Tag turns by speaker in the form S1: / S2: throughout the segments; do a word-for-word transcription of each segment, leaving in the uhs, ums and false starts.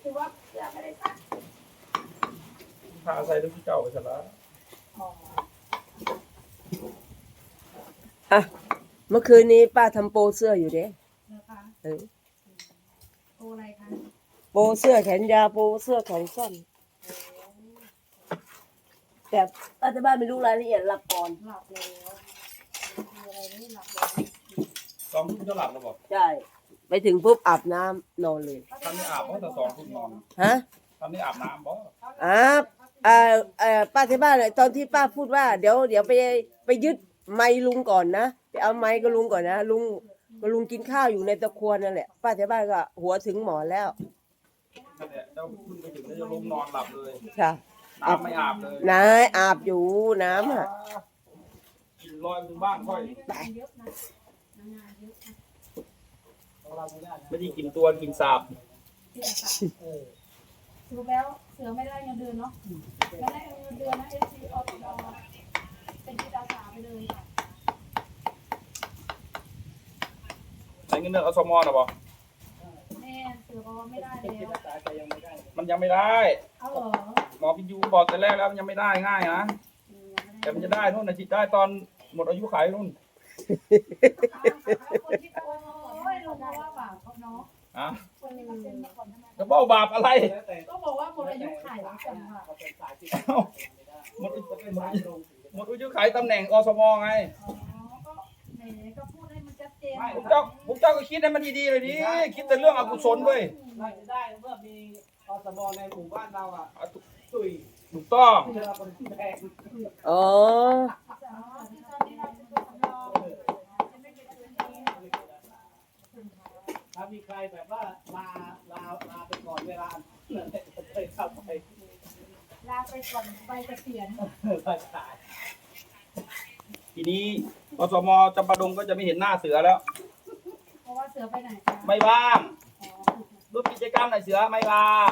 S1: คือว่าเสื้อไม่ได้ซัก
S2: ผ้าใส่ลูกเจ้าไปซะแล้ว
S3: อ่ะเมื่อคืนนี้ป้าทำโปรเสื้ออยู่เด้
S1: นะคะ
S3: เออ
S1: โปรอะไรคะ
S3: โปรเสื้อแขนยาวโปรเสื้อแขนสั้นแต่ป้าที่บ้านไม่รู้รายละเอียดหลับก่อน
S1: หลับแล้วมีอะไรไม่หลับแล้ว
S2: สองทุ่มจะหลับแล้วบอก
S3: ใช่ไปถึงปุ๊บอาบน้ำนอนเลย
S2: ทำนี่อาบเพราะแต่สองทุ่มนอน
S3: ฮะ
S2: ทำนี่อาบน้ำบ่
S3: อาบเอ่อเอ่อป้าที่บ้านเลยตอนที่ป้าพูดว่าเดี๋ยวเดี๋ยวไปไปยึดไม้ลุงก่อนนะไปเอาไม้กับลุงก่อนนะลุงก็ลุงกินข้าวอยู่ในตะครัวนั่นแหละป้าที่บ้านก็หัวถึงหมอนแล้ว
S2: นั่นแหละเจ้าขึ้นไปถึงแล้วจะล้มนอนหลับเลย
S3: ค่ะ
S2: น้ำไม่อาบเลย
S3: นายอาบอยู่น้ำอ่ะ
S2: กินลอยถึงบ้านค่อยไม่ได้กินตัวกินสาบ
S1: สรุปแล้วเสือไม่ได้เงินเดือนเนาะไม่ได้เงินเดือนนะเอฟซีออตเป็นจิตอาสาไปเลยค่ะ
S2: ใช้เงินเดือนอสมอนะบอ
S1: แม่เสือบอกว่าไม่ได้แล้ว
S2: มันยังไม่ได้
S1: เอาเหรอ
S2: หมอพิยูบอกแต่แรกแล้วมันยังไม่ได้ง่ายนะแต่มันจะได้นู่นนะจิตได้ตอนหมดอายุขัยนู่น
S1: คนที่โอ้ยลุงบอกว่าบาปเขาเนาะ
S2: อ่ะ
S1: คนนี้มาเซ็นมาก่อนทำไม
S2: จะบอกบาปอะไร
S1: ก็บอกว่าหมดอายุขัยแล้วกันค่ะ
S2: หมดหมดอายุขัยตำแหน่งอสมไง
S1: อ๋อก็ไหนก็พูดให้มันชัดเจน
S2: ผมเจ้าผมเจ้าก็คิดให้มันดีๆเลยดิคิดแต่เรื่องอกุศลเว้ย
S4: เราจะได้เมื่อมีอสมในหมู่บ้านเราอ่ะตุย
S2: ถูกต้อง
S3: อ๋อ
S4: ถ้ามีใครแบบว่าลาลาลาไปก่อนเวลาเคยเข้าไป
S1: ลาไปก่อนไปเกษียณ
S4: ไปตาย
S2: ทีนี้อสมจำปาดงก็จะไม่เห็นหน้าเสือแล้ว
S1: เพราะว่าเสือไปไหนคะ
S2: ไม่ว่างรูปกิจกรรมไหนเสือไม่ว่าง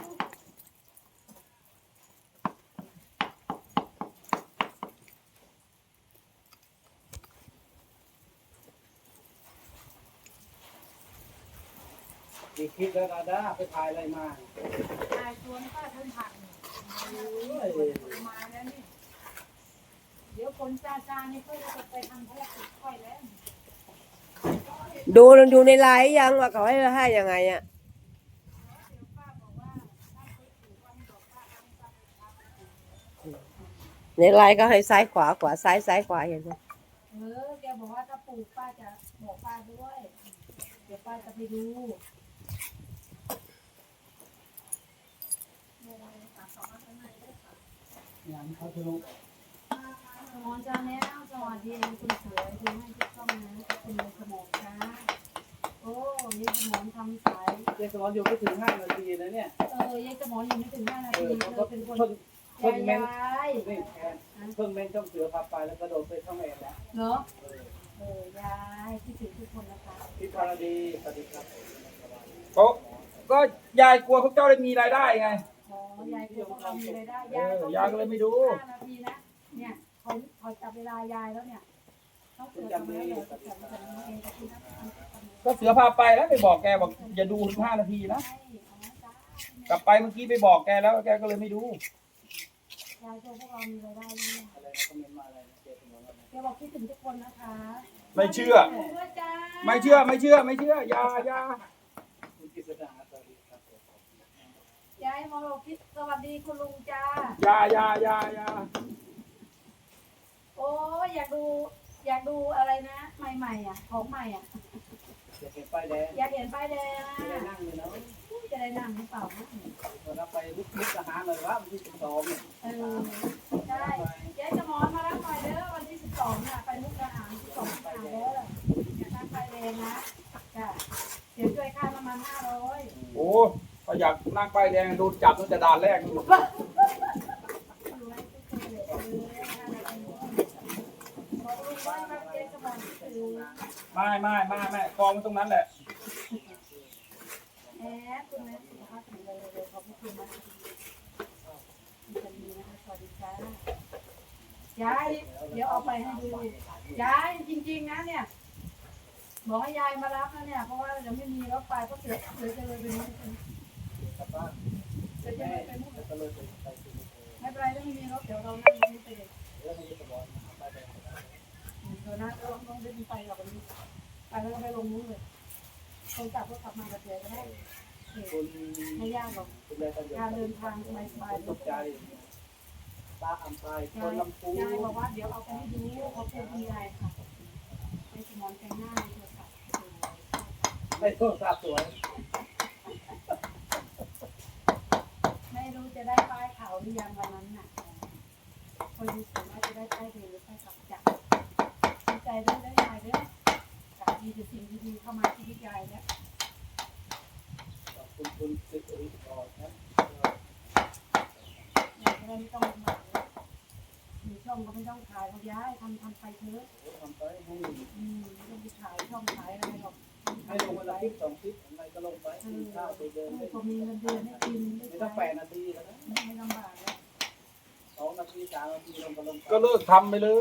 S4: มีคลิปแล้วนะด้าไปถ่ายอะไรมา
S1: ถ่ายสวนป้าท่านผักมาแล้วนี่เดี๋ยวคนจ้าจ้านี่ค่อยจะไปทำภารกิจค่อยแล้ว
S3: ดูดูในไลน์ยังว่าเขาให้ให้ยังไงอ่ะในไลน์ก็ให้ซ้ายขวาขวาซ้ายซ้ายขวาอย่างนี้
S1: เออแกบอกว่าถ้าปลูกป้าจะบอกป้าด้วยเดี๋ยวป้าจะไปดู
S4: อย่างเขาดู
S1: สมองจ้าแน่สวัสดีคุณสวยดูให้ทุกช่องนะเป็นสมองจ้าโอ้ยายสมองทำสาย
S4: ยายสมองอยู่ไม่ถึงห้านาทีนะเนี่ย
S1: เออยายสมองอยู่ไม่ถึงห้านาทีเธอเป็นคน
S4: เพิ่งเมนเพิ่งเมนช่องเสือพาไปแล้วกระโดดไปช่องเอ็นแล้ว
S1: เนาะเออยายคิดถึงทุกคนนะคะ
S4: พี่พาราดีสวัสดีครับ
S2: ก็ก็ยายกลัวพวกเจ้าได้มีรายได้ไง
S1: อ๋อยายกลัวพวกเรามีรายได้
S2: ยายยายก็เลยไม่ดู
S1: ห้านาทีนะเนี่ยเขาเขาจับเวลายายแล้วเนี่ยต้องเสือทำอะไรเลยจับเวลาเอง
S2: ก็เสือพาไปแล้วไปบอกแกบอกอย่าดูถึงห้านาทีนะกลับไปเมื่อกี้ไปบอกแกแล้วแกก็เลยไม่ดู
S1: ยายกลัวพวกเรามีรายได้เนี่ยแกบอกคิดถึงทุกคนนะคะ
S2: ไม่เชื่อไม่เชื่อไม่เชื่อไม่เชื่อยาย
S1: ายายมาบอกคิดสวัสดีคุณลุงจ้า
S2: ยายายายา
S1: โอ้อยากดูอยากดูอะไรนะใหม่ๆอ่ะของใหม่อ่ะ
S4: อยากเห็นป้ายแดง
S1: อยากเห็นป้ายแดง
S4: จะได้นั่งเลยเนาะ
S1: จะได้นั่งหรือเปล่า
S4: เราไปลุกลุกทหารเลยว่าวันที่สิบสองเนี่ย
S1: เออใช่ยายจะมอนมารับหน่อยเด้อวันที่สิบสองน่ะไปมุกทหารสิบสองทหารเด้ออยากนั่งป้ายแดงนะจ้ะเดี๋ยวช่วยค่าประมาณห้าร้อย
S2: โอ้ถ้าอยากนั่งป้ายแดงโดนจับตั้งแต่ด่านแรกนู่นไม่ไม่ไม่ไม่กองตรงนั้นแหละ
S1: แอบคุณแม่สุขภาพแข็งแรงเลยขอบคุณนะสวัสดีค่ะยายเดี๋ยวเอาไปให้ดูยายจริงๆนะเนี่ยบอกให้ยายมารับนะเนี่ยเพราะว่าจะไม่มีรถไฟก็เสือเสือจะเลยไปนู้น
S4: กลับบ้าน
S1: เดี๋ยวจะ
S4: แม่
S1: ไปมุก
S4: ก็เลยไปไปซื้อ
S1: ไม่เป็นไรถ้าไม่มีรถเดี๋ยวเรานั่งรถนี้ไปเลย
S4: เรื่องนี้จะบอกไปไป
S1: เดี๋ยวนะเราลงไปไปกับวันนี้ไปแล้วก็ไปลงนู้นเลยคนกลับก็กลับมากับเจ๊ก็ได้
S4: คุณ
S1: ไม่ยากหรอก
S4: คุณแม่ก็เดิน
S1: การเดินทางสบายๆ
S4: ตกใจตาอัมพายคนลำพู
S1: ยายบอกว่าเดี๋ยวเอาไปให้ดูเขาพูดคุณยายค่ะไปสมอนแต่งหน้าในโทรศัพท์
S4: ไม่โทษทราบสวย
S1: ไม่รู้จะได้ป้ายขาวหรือยังวันนั้นน่ะคนดูสูงว่าจะได้ป้ายเดงหรือป้ายขาวจับดีใจด้วยได้ยายด้วยกับมีแต่สิ่งดีๆเข้ามาชีวิตยายแล้ว
S4: ขอบคุณคุณสิริพรครับ
S1: ยายก็ได้ไม่ต้องลำบากแล้วมีช่องก็ไม่ต้องขายเขาย้ายทำทำไปเถอะ
S4: ทำไปให้
S1: อืมไม่ต้องไปขายช่องขายอะไรหรอก
S4: ให้ลงวันละคลิปสองคลิปอะไรก็ลงไปกินข้าวไปเดิน
S1: เอ
S4: ได้
S1: อพอมีเงินเดือนให้กินได้
S4: ไม่
S1: ใช้
S4: ต้องแปดนาทีแล้วนะ
S1: ไม่ลำบากแล้ว
S4: สองนาทีสามนาทีลงก็ลง
S2: ก็เลิกทำไปเลย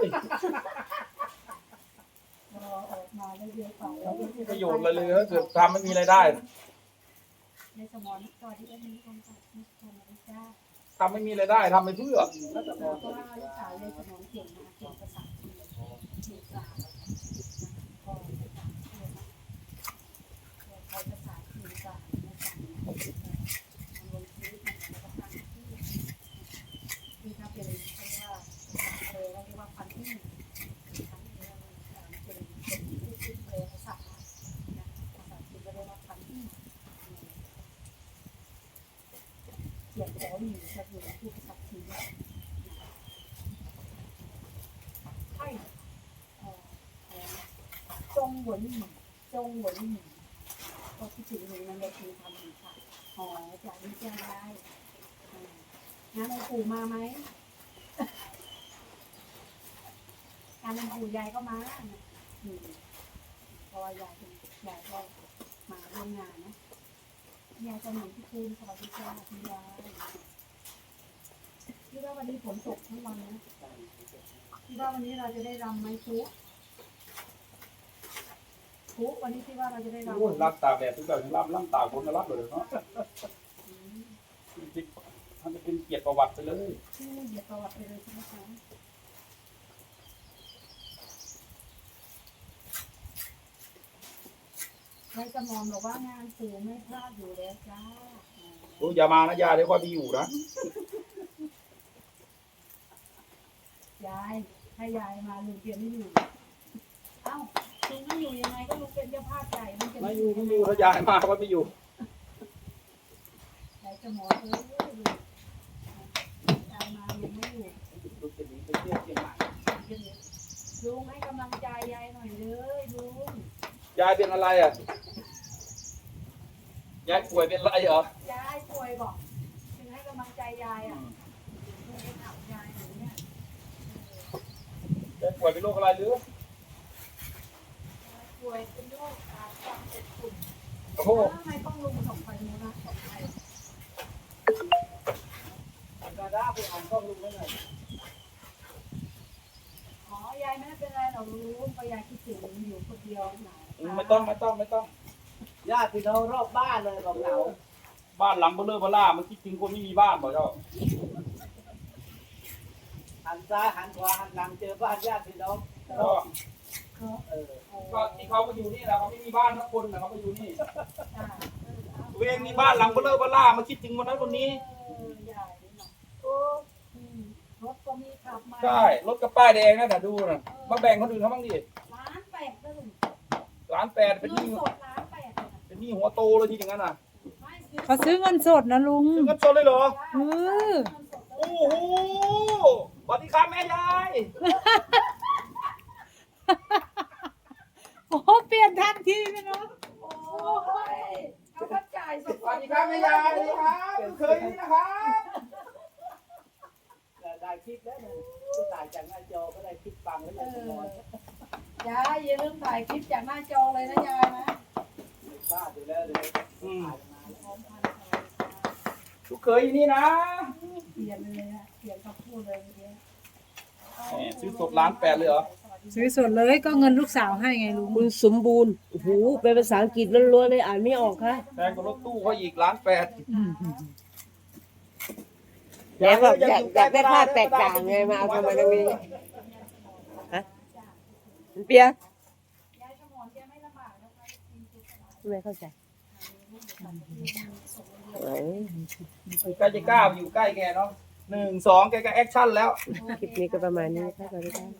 S1: รอออกมาได้เยอะไป
S2: ไม่มีประโยชน์เลยเลยถ้าเกิดทำไม่มีรายได้
S1: ในสมองสวัสดีเอ็มมีคนตัดมีคนมาจ้า
S2: ทำไม่มีรายได้ทำไปเพื่อ
S4: รัฐบา
S1: เพ
S4: ล
S1: ราะ
S4: ก็
S1: ว่าลูกสาวในสมองเก่งนะเก่งภาษาจีนเก่งกลางพอภาษาเก่งนะใช้ภาษาจีนกลางนะคะมันลงชีวิตมันแล้วก็ตั้งที่ที่ถ้าเป็นเรียกว่าเออเรียกว่าพันที่พันที่เราเป็นเป็นผู้คิดเร็วภาษานะภาษาจีนก็เรียกว่าพันที่เขียนขอหนีจะอยู่ที่ภาษาจีนใช่จงหวนหนีจงหวนหนีก็คิดถึงหนูนั่นเลยคือทำหนีค่ะอ๋อจากนี้จะได้งานหลวงปู่มาไหมงานหลวงปู่ยายก็มาอืมเพราะว่ายายเป็นยายก็มาร่วมงานนะยายจะหนุนที่คืนสวัสดีค่ะคุณยายคิดว่าวันนี้ฝนตกทั้งวันนะคิดว่าวันนี้เราจะได้รำไหมทุกทุกวันนี้คิดว่าเราจะได้รำ
S2: โอ้ยรับตากแดดทุกอย่างรับรับตากฝนก็รับเลยเนาะ
S1: อืม
S2: จริงๆมันจะเป็นเกียรติประวัติไปเลย
S1: ชื่อเดี๋ยวประวัติไปเลยใช่ไหมคะนายสมอนบอกว่างานสื่อไม่พลาดอยู่แล้วจ้า
S2: โอ้ยอย่ามานะยาเดี๋ยวค่อยไปอยู่นะ
S1: ยายถ้ายายมาลุงเพียรไม่อยู่เอ้าลุงไม่อยู่ยังไงก็ลุงเป็นเจ้าภาพใหญ่ลุงจะ
S2: ไม่อยู่ไม่อยู่ถ้ายายมาก็ไม่อยู่
S1: นายสมอนเออลุงยายมาลุงไม่อยู่
S4: ลูกจะหนีไปเที่ยวเชียงใหม่
S1: ลุงให้กำลังใจยายหน่อยเลยลุง
S2: ยายเป็นอะไรอ่ะยายป่วยเป็นอะไรเหรอย
S1: ายป่วยบอกถึงให้กำลังใจยายอ่ะลุงไปถามยายหนูเนี่ย
S2: ยายป่วยเป็นโรคอะไรหรือ
S1: ป่วยเป็นโรคอ่าความเจ็บปุ่น
S2: โอ้โห
S1: ทำไมต้องลุงสองไฟมูนะสองไฟ
S4: ดาด้าไปอ่านข้อมูลไว้หน่อย
S1: อ๋อยายไม่ได้เป็นไรหรอกลุงเพราะยายคิดถึงอยู่คนเดียวหนา
S2: ไม่ต้องไม่ต้องไม่ต้อง
S4: ญาติพี่น้องรอบบ้านเลยบอกเหงา
S2: บ้านหลังเบลอเบล่ามันคิดถึงคนไม่มีบ้านบอกเจ้า
S4: หันซ้ายหันขวาหันหลังเจอบ้านญาติพี่น้อง
S2: ก็
S1: เขา
S4: เออ
S2: ก็ที่เขาก็อยู่นี่แหละเขาไม่มีบ้านทั้งคนนะเขาก็อยู่นี่
S1: จ้าเออเอา
S2: ตัวเองมีบ้านหลังเบลอเบล่ามาคิดถึงคนนั้นคนนี้
S1: เออใหญ่เนาะโอ้อืมรถก็มีขับมา
S2: ใช่รถกระป้ายแดงนะแต่ดูนะมาแบ่งคนอื่นเขาบ้างดิ
S1: ล้านแปดนะลุง
S2: ล้านแปดเป็นห
S1: เงิน
S2: นี้
S1: สดล้านแปดเลยนะ
S2: เป็นหนี้หัวโตเลยที่อย่างนั้นน่ะ
S1: ไม่ซื้อ
S5: เขาซื้อเงินสดนะลุง
S2: ซื้อกันสดเลยเหรอ
S5: เออ
S2: โอ้โหสวัสดีครับแม่ยาย
S5: โอ้เปลี่ยนทันทีเลยเนาะ
S1: โอ้ยเขาก็จ่ายสด
S2: สวัสดีครับแม่ยายสวัสดีครับเคยนี่นะครับ
S4: แต่ได้คลิปแล้วเนี่ยก็ถ่ายจากหน้าจอก็ได้คลิปฟังแล้ว
S1: เอ
S4: เลยสมอง
S1: อยายอย่าลืมถ่ายคลิปจากหน้าจอเลยนะยายนะ
S4: ไม่พลาดอยู่แล้วเลยถ่ายมาแล้ว
S1: พร้อมพันธุ์อะไรนะ
S2: ลูกเคยนี่นะ
S1: เปลี่ยนเลยอะเปลี่ยนคำพูดเลยเมื่อกี้
S2: แหมซื้อสดล้านแปดเลยเหรอ
S1: สวัส
S5: ซื้อสดเลยก็เงินลูกสาวให้ไงลุง
S3: คุณสมบูรณ์โอ้โหเป็นภาษาอังกฤษล้วนๆเลยอ่านไม่ออกค่ะ
S2: แพงกว่ารถตู้เขาอีกล้านแปด
S3: แกแบบอยากอยากได้ภาพแตกต่างไงมาเอาทำไมตรงนี้ฮะเปียไม่เข้าใจเอ้ย
S2: ใกล้จะกล้าไปอยู่ใกล้แกเนาะหนึ่งสองแกก็แอคชั่นแล้ว
S3: คลิปนี้ก็ประมาณนี้ค่ะสวัสดีค่ะ